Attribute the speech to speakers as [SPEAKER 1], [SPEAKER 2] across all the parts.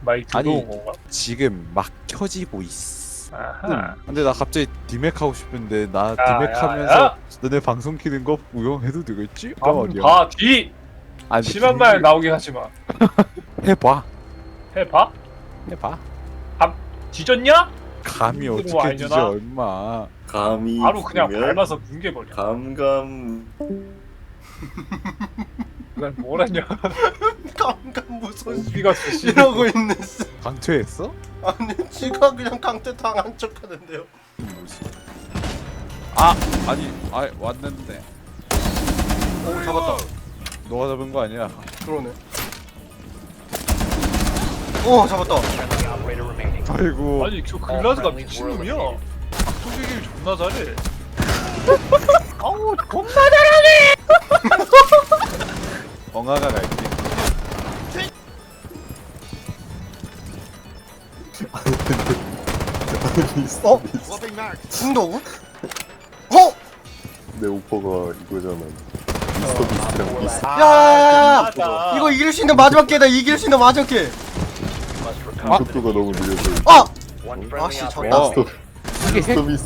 [SPEAKER 1] 많이
[SPEAKER 2] 아니.
[SPEAKER 1] 들어온 건가?
[SPEAKER 2] 지금 막 켜지고 있어.
[SPEAKER 1] 아하.
[SPEAKER 2] 근데 나 갑자기 디맥 하고 싶은데 나
[SPEAKER 1] 야,
[SPEAKER 2] 디맥
[SPEAKER 1] 야,
[SPEAKER 2] 하면서
[SPEAKER 1] 야.
[SPEAKER 2] 너네 방송 키는 거 구경해도 되겠지?
[SPEAKER 1] 봐, 뒤!
[SPEAKER 2] 아니,
[SPEAKER 1] 심한 말 나오게 하지 마.
[SPEAKER 2] 해봐.
[SPEAKER 1] 해봐?
[SPEAKER 2] 해봐.
[SPEAKER 1] 뒤졌냐?
[SPEAKER 2] 감이
[SPEAKER 1] 그거
[SPEAKER 2] 어떻게
[SPEAKER 1] 아니잖아.
[SPEAKER 2] 뒤져 얼마.
[SPEAKER 3] 감이
[SPEAKER 1] 바로 그냥
[SPEAKER 3] 있으면
[SPEAKER 1] 밟아서 뭉개버려.
[SPEAKER 3] 감감
[SPEAKER 1] 난 뭘 했냐?
[SPEAKER 4] 강강 무슨
[SPEAKER 1] 우리가 씨.
[SPEAKER 4] 이러고 있는
[SPEAKER 2] 강퇴했어?
[SPEAKER 4] 아니 지가 그냥 강퇴 당한 척하는데요.
[SPEAKER 2] 뭐지? 아! 아니 왔는데
[SPEAKER 4] 오 잡았다.
[SPEAKER 2] 너가 잡은 거 아니야?
[SPEAKER 4] 그러네. 오 잡았다.
[SPEAKER 2] 아이고.
[SPEAKER 1] 아니 저 글라즈가 미친놈이야. 소개기 존나 잘해. 아우 겁나 잘하네.
[SPEAKER 2] 엉아가 갈게.
[SPEAKER 4] 어? 승도구? 어?
[SPEAKER 3] 내 오퍼가 이거잖아. 미스터 비스트랑 비스트.
[SPEAKER 4] 야야야야!
[SPEAKER 1] 맞아.
[SPEAKER 4] 이거 이길 수 있는 마지막 기회다. 이길 수 있는 마지막 기회.
[SPEAKER 3] 속도가 너무 느려서.
[SPEAKER 4] 아! 아씨 졌다.
[SPEAKER 2] 어.
[SPEAKER 3] 미스터 비스트.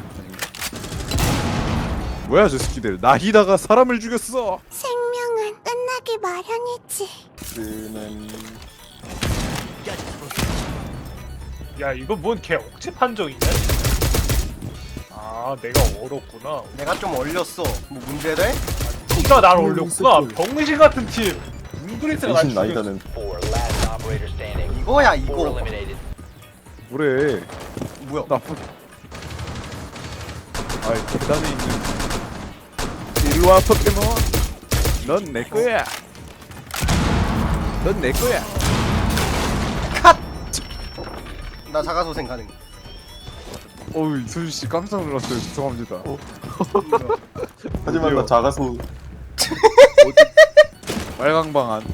[SPEAKER 2] 뭐야 저 새끼들. 나히다가 사람을 죽였어.
[SPEAKER 5] 생명은 끝나기 마련이지.
[SPEAKER 3] 는
[SPEAKER 1] 야 이거 뭔 개 억지 판정이냐? 아 내가 얼었구나.
[SPEAKER 4] 내가 좀 얼렸어. 뭐 문제래?
[SPEAKER 1] 네가 날 올렸구나. 병신 같은 팀. 웅그리스가 날
[SPEAKER 3] 대신
[SPEAKER 1] 죽였어.
[SPEAKER 3] 나이다는
[SPEAKER 4] 이거야 이거.
[SPEAKER 2] 뭐래.
[SPEAKER 4] 뭐야?
[SPEAKER 2] 나쁜. 아이 계단에 있는. 일로와 포켓몬. 넌 내 거야. 넌 내 거야.
[SPEAKER 4] 나 자가소생 가능.
[SPEAKER 2] 어우 이소준 씨 깜짝 놀랐어요. 죄송합니다.
[SPEAKER 3] 하지만 나 작아서
[SPEAKER 2] 빨강방 안.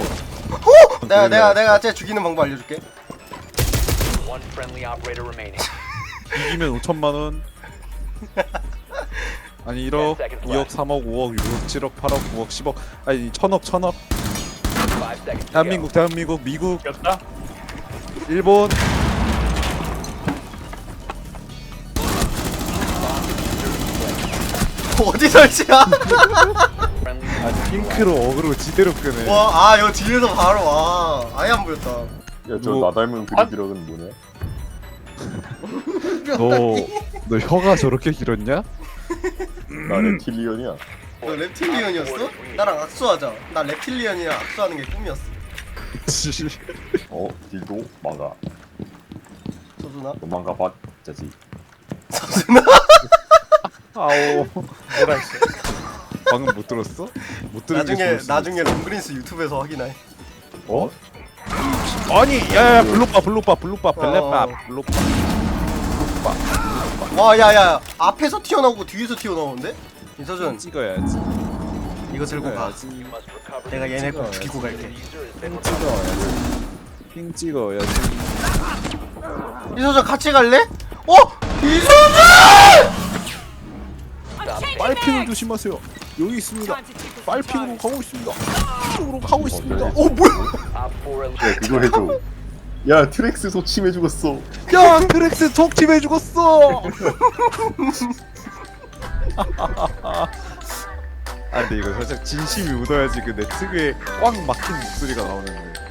[SPEAKER 4] 내가 쟤 죽이는 방법 알려줄게.
[SPEAKER 2] 이기면 5천만 원. 아니 1억, 2억, 3억, 5억, 6억, 7억, 8억, 9억, 10억. 아니 1000억. 대한민국, 미국,
[SPEAKER 1] 이겼다?
[SPEAKER 2] 일본.
[SPEAKER 4] 어디 설치야?
[SPEAKER 2] 아 핑크로 어그로 지대로 끄네.
[SPEAKER 4] 와, 아, 이거 뒤에서 바로 와. 아예 안 보였다.
[SPEAKER 3] 야 저
[SPEAKER 2] 뭐-
[SPEAKER 3] 나 닮은 그리기력은 뭐냐?
[SPEAKER 2] 너 혀가 저렇게 길었냐?
[SPEAKER 3] 나 reptilian이야.
[SPEAKER 4] 너 reptilian이었어? 나랑 악수하자. 나 reptilian이랑 악수하는 게 꿈이었어.
[SPEAKER 3] 딜도 망가.
[SPEAKER 4] 서준아?
[SPEAKER 3] 너 망가 봤자지.
[SPEAKER 4] 서준아?
[SPEAKER 2] 아오.
[SPEAKER 1] 뭐라 했어?
[SPEAKER 2] 방금 못 들었어? 못 들은 게 좋을 수도
[SPEAKER 4] 나중에 롱그린스 유튜브에서 확인해.
[SPEAKER 3] 어?
[SPEAKER 2] 있어. 아니 야야 블록바 벨레바
[SPEAKER 4] 어.
[SPEAKER 2] 블록바.
[SPEAKER 4] 와, 야, 앞에서 튀어나오고 뒤에서 튀어나오는데? 이서준,
[SPEAKER 2] 찍어야지.
[SPEAKER 4] 이거 들고 가. 내가 얘네 꼭 죽이고 갈게.
[SPEAKER 2] 핑 찍어야지.
[SPEAKER 4] 이서준 같이 갈래? 어? 이서준!
[SPEAKER 2] 빨핑을 조심하세요. 여기 있습니다. 빨핑으로 가고 있습니다. 이쪽으로 가고 있습니다.
[SPEAKER 3] 네.
[SPEAKER 4] 뭐야?
[SPEAKER 3] 야 그거 해줘. 야 트렉스 소침해 죽었어.
[SPEAKER 2] 야 트렉스 독침해 죽었어. 아 근데 이거 살짝 진심이 묻어야지 그 내 특유의 꽉 막힌 목소리가 나오는 거예요.